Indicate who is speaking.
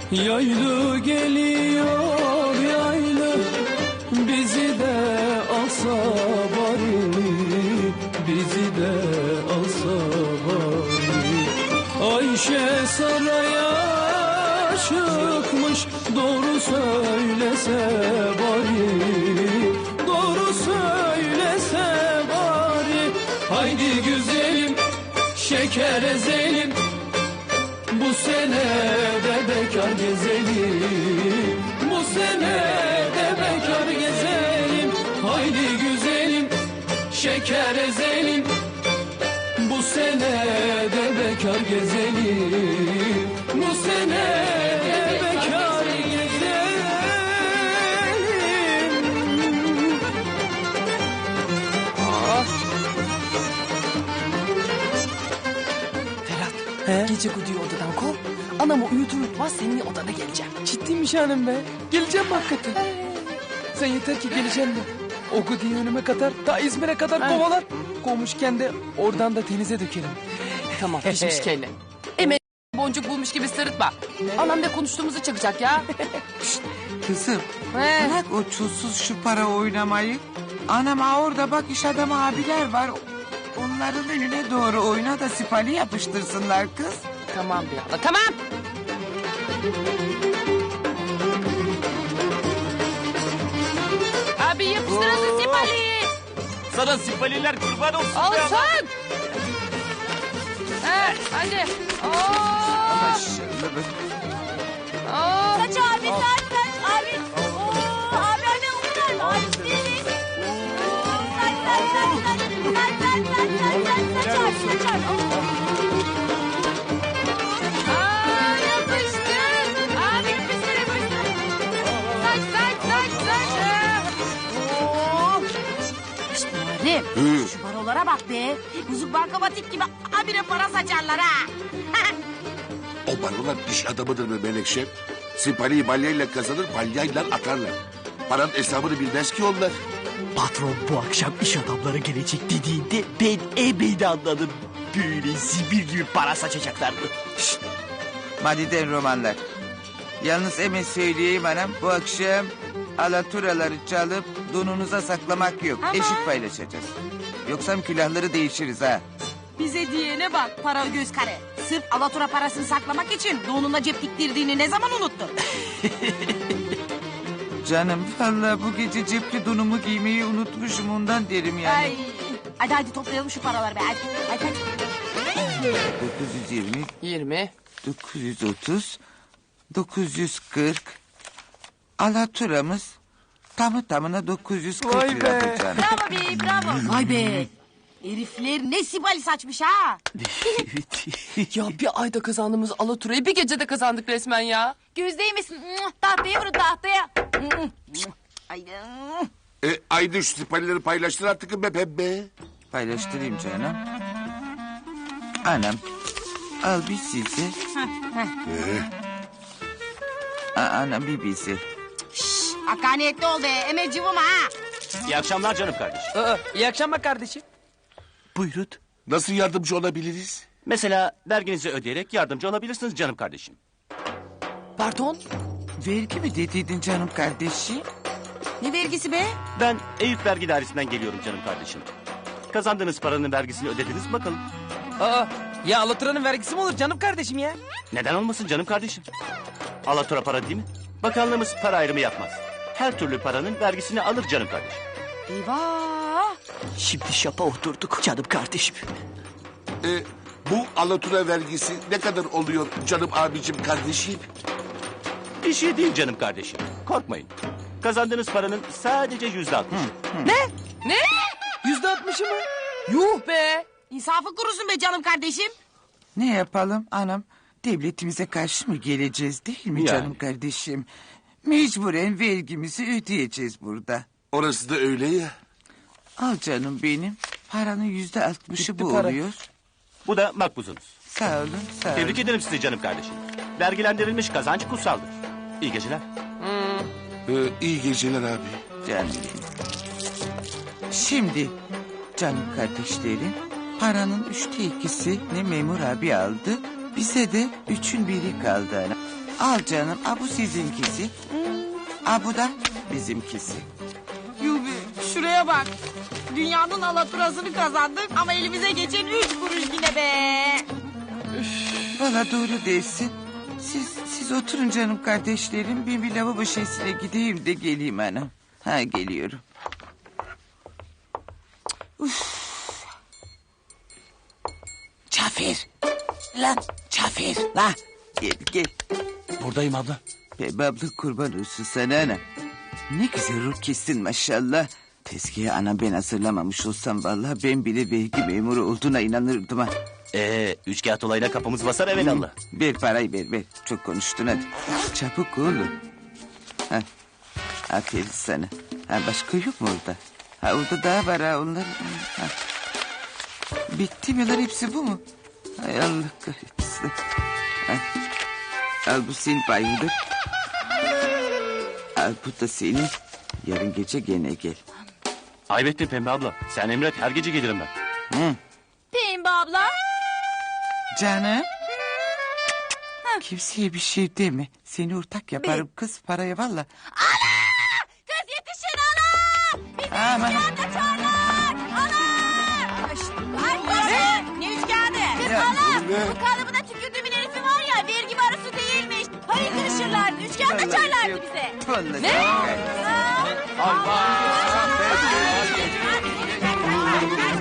Speaker 1: Yaylı geliyor yaylı, bizi de alsa bari, bizi de alsa bari. Ayşe saraya çıkmış, doğru söylese bari, doğru söylese bari. Haydi güzelim, şeker ezelim, bu sene de bekar gezelim, bu sene de bekar gezelim. Haydi güzelim, şeker ezelim, bu sene de bekar gezelim, bu sene de bekar gezelim.
Speaker 2: Ferhat, gece Gudu'yu odadan kov. Anamı uyutur uyutmaz senin odana geleceğim.
Speaker 3: Ciddiymiş hanım be. Geleceğim mi hakikaten? Sen yeter ki geleceğim de. O Gudu'yu önüme katar, ta İzmir'e kadar kovalar. Kovmuşken de oradan da denize dökerim.
Speaker 2: Tamam, pişmiş kelle. Hemen boncuk bulmuş gibi sırıtma. Anam ne konuştuğumuzu çıkacak ya.
Speaker 4: Kızım bırak o çulsuz şu para oynamayı. Anam orada bak iş adamı abiler var. Onların önüne doğru oyna da sipali yapıştırsınlar kız.
Speaker 2: Tamam bir abla, tamam. Abi yapıştırasın sipaliyi.
Speaker 5: Sana sipaliler kurban olsun.
Speaker 2: Olsun. Hadi.
Speaker 4: Maşallah.
Speaker 6: Saç abi saç abi. Abi anne umurlar mı? Abi seni. Saç abi.
Speaker 2: Yapıştır. Abi yapıştır.
Speaker 6: İşte Muharrem. Şu barolara bak be. Buzuk bankamatik gibi abire para saçarlar ha.
Speaker 7: O barolar iş adamıdır mı Melekşe? Sipariyi balyayla kazanır, balyayla atarlar. Paranın hesabını bilmez ki onlar.
Speaker 5: Patron bu akşam iş adamları gelecek dediğinde ben ebeyde anladım. Böyle zibir gibi para saçacaklardı.
Speaker 4: Madiden romanlar. Yalnız hemen söyleyeyim anam. Bu akşam alaturaları çalıp donunuza saklamak yok. Eşit paylaşacağız. Yoksa külahları değişiriz ha.
Speaker 6: Bize diyene bak para göz kare. Sırf alatura parasını saklamak için donuna cep diktirdiğini ne zaman unuttun?
Speaker 4: Canım vallahi bu gece cepli donumu giymeyi unutmuşum ondan derim yani.
Speaker 6: Ay. Hadi toplayalım şu paraları be. Hadi.
Speaker 4: 920,
Speaker 2: 20.
Speaker 4: 930, 940. Alaturamız tamı tamına 940
Speaker 3: Vay
Speaker 4: lira
Speaker 3: be.
Speaker 4: canım.
Speaker 6: Bravo be bravo. Vay be. Herifler ne sibali saçmış ha.
Speaker 2: Ya bir ayda kazandığımız alaturayı bir gecede kazandık resmen ya.
Speaker 6: Göz değmesin. Tahtaya vurun tahtaya. Ay.
Speaker 7: Haydi şu siparileri paylaştır artık be pembe.
Speaker 4: Paylaştırayım canım. Anam al bir sizi. Anam bir bizi.
Speaker 6: Hakaniyetli ol be. Emel cıvıma ha.
Speaker 5: İyi akşamlar canım kardeşim.
Speaker 3: İyi akşamlar kardeşim.
Speaker 5: Buyurun.
Speaker 7: Nasıl yardımcı olabiliriz?
Speaker 5: Mesela verginizi ödeyerek yardımcı olabilirsiniz canım kardeşim.
Speaker 2: Pardon?
Speaker 4: Vergi mi dediydin canım kardeşim?
Speaker 6: Ne vergisi be?
Speaker 5: Ben Eyüp Vergi Dairesi'nden geliyorum canım kardeşim. Kazandığınız paranın vergisini ödediniz mi bakalım?
Speaker 3: Ya alaturanın vergisi mi olur canım kardeşim ya?
Speaker 5: Neden olmasın canım kardeşim? Alatura para değil mi? Bakanlığımız para ayrımı yapmaz. Her türlü paranın vergisini alır canım kardeşim.
Speaker 6: Eyvah.
Speaker 5: Şimdi şapa oturduk canım kardeşim.
Speaker 7: Bu alatura vergisi ne kadar oluyor canım abicim kardeşim?
Speaker 5: Bir şey değil canım kardeşim. Korkmayın. Kazandığınız paranın sadece %60.
Speaker 2: Ne?
Speaker 3: %60'ı mı?
Speaker 2: Yuh be.
Speaker 6: İnsafı kurusun be canım kardeşim.
Speaker 4: Ne yapalım anam? Devletimize karşı mı geleceğiz değil mi
Speaker 5: Yani.
Speaker 4: canım kardeşim? Mecburen vergimizi ödeyeceğiz burada.
Speaker 7: Orası da öyle ya.
Speaker 4: Al canım benim. Paranın %60'ı
Speaker 3: Gitti
Speaker 4: bu
Speaker 3: para.
Speaker 4: oluyor.
Speaker 5: Bu da makbuzunuz.
Speaker 4: Sağ olun, sağ olun.
Speaker 5: Tebrik ederim sizi canım kardeşim. Vergilendirilmiş kazanç kutsaldır. İyi geceler.
Speaker 7: İyi geceler abi.
Speaker 4: Canım benim. Şimdi canım kardeşlerim, paranın 2/3'ünü memur abi aldı. Bize de 1/3 kaldı ana. Al canım. Bu sizinkisi. Bu da bizimkisi.
Speaker 6: Yubi şuraya bak. Dünyanın alaturasını kazandık ama elimize geçen 3 kuruş yine be.
Speaker 4: Valla doğru değilsin. Siz oturun canım kardeşlerim. Ben bir lavabo şişesine gideyim de geleyim anam. Ha geliyorum. Cafer. Lan Cafer. La. Gel.
Speaker 5: Buradayım abla.
Speaker 4: Be abla kurban olsun sana anam. Ne güzel ruh kestin maşallah. Tezgahı anam ben hazırlamamış olsam vallahi ben bile vergi memuru olduğuna inanırdım ha.
Speaker 5: Üç kağıt olayla kapımız basar evelallah.
Speaker 4: Ver parayı ver. Çok konuştun hadi. Çabuk oğlum. Ha. Aferin sana. Ha, başka yok mu orada? Ha, orada daha var ha onlar. Ha. Bitti mi lan hepsi bu mu? Hay Allah kahretsin. Ha. Al bu senin payındır. Al bu da senin. Yarın gece gene gel.
Speaker 5: Ayıp ettin Pembe abla. Sen emret her gece gelirim ben.
Speaker 6: Pembe abla.
Speaker 4: Canım. Kimseye bir şey deme. Seni ortak yaparım kız paraya valla.
Speaker 6: Kız yetişin ana.
Speaker 4: Aman.
Speaker 6: Kaçarlar. Ana. Ay, ne üç kağıdı? Kız
Speaker 4: Ya,
Speaker 6: ana.
Speaker 7: bu ne?
Speaker 6: Bu kalıbına tükürdüğümün herifi var ya vergi barosu değilmiş. Hayır kırışırlardı. Üç kağıt açarlardı bize.
Speaker 4: Vallahi
Speaker 2: Ne?
Speaker 4: sen-
Speaker 6: Aa.